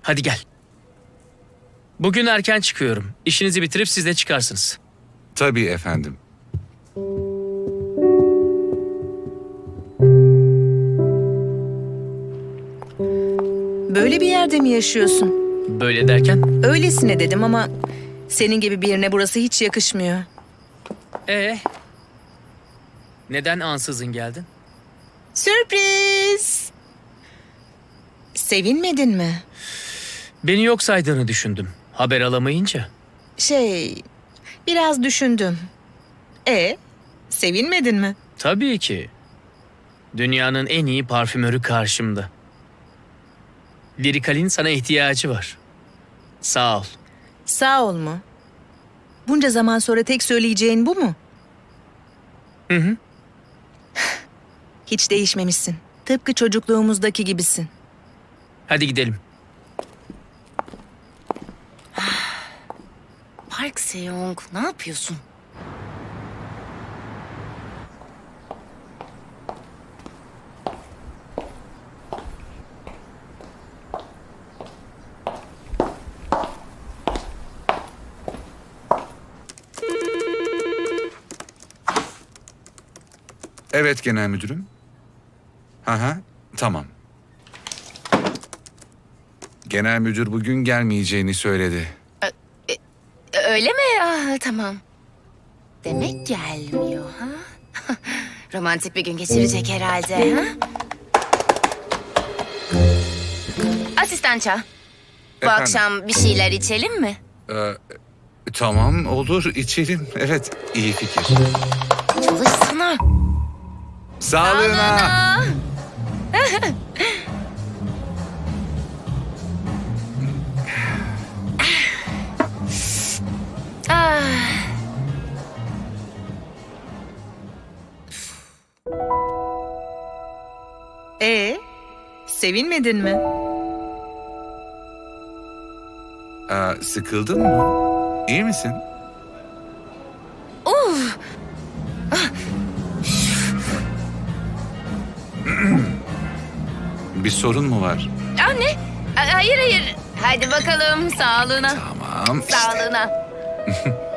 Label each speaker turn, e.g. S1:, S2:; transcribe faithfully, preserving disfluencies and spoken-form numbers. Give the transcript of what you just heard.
S1: Hadi gel. Bugün erken çıkıyorum. İşinizi bitirip siz de çıkarsınız.
S2: Tabii efendim.
S3: Böyle bir yerde mi yaşıyorsun?
S1: Böyle derken?
S3: Öylesine dedim ama senin gibi birine burası hiç yakışmıyor.
S1: Ee, neden ansızın geldin?
S3: Sürpriz! Sevinmedin mi?
S1: Beni yok saydığını düşündüm. Haber alamayınca.
S3: Şey, biraz düşündüm. E, sevinmedin mi?
S1: Tabii ki. Dünyanın en iyi parfümörü karşımda. Lirikal'in sana ihtiyacı var. Sağ ol.
S3: Sağ ol mu? Bunca zaman sonra tek söyleyeceğin bu mu?
S1: Hı hı.
S3: Hiç değişmemişsin. Tıpkı çocukluğumuzdaki gibisin.
S1: Hadi gidelim.
S4: Park Seyong, ne yapıyorsun?
S2: Evet genel müdürüm. Hı hı, tamam. Genel müdür bugün gelmeyeceğini söyledi.
S4: Öyle mi? Ah, tamam. Demek gelmiyor ha? Romantik bir gün geçirecek herhalde ha? Asistança, bu
S2: Efendim?
S4: akşam bir şeyler içelim mi?
S2: Ee, tamam olur içelim. Evet iyi fikir.
S4: Çalışsana.
S2: Sağlığına.
S4: Ah,
S3: E, sevinmedin mi?
S2: Ee, sıkıldın mı? İyi misin?
S4: uf.
S2: Bir sorun mu var?
S4: Anne, hayır hayır. Hadi bakalım sağlığına.
S2: Tamam işte.
S4: Sağlığına.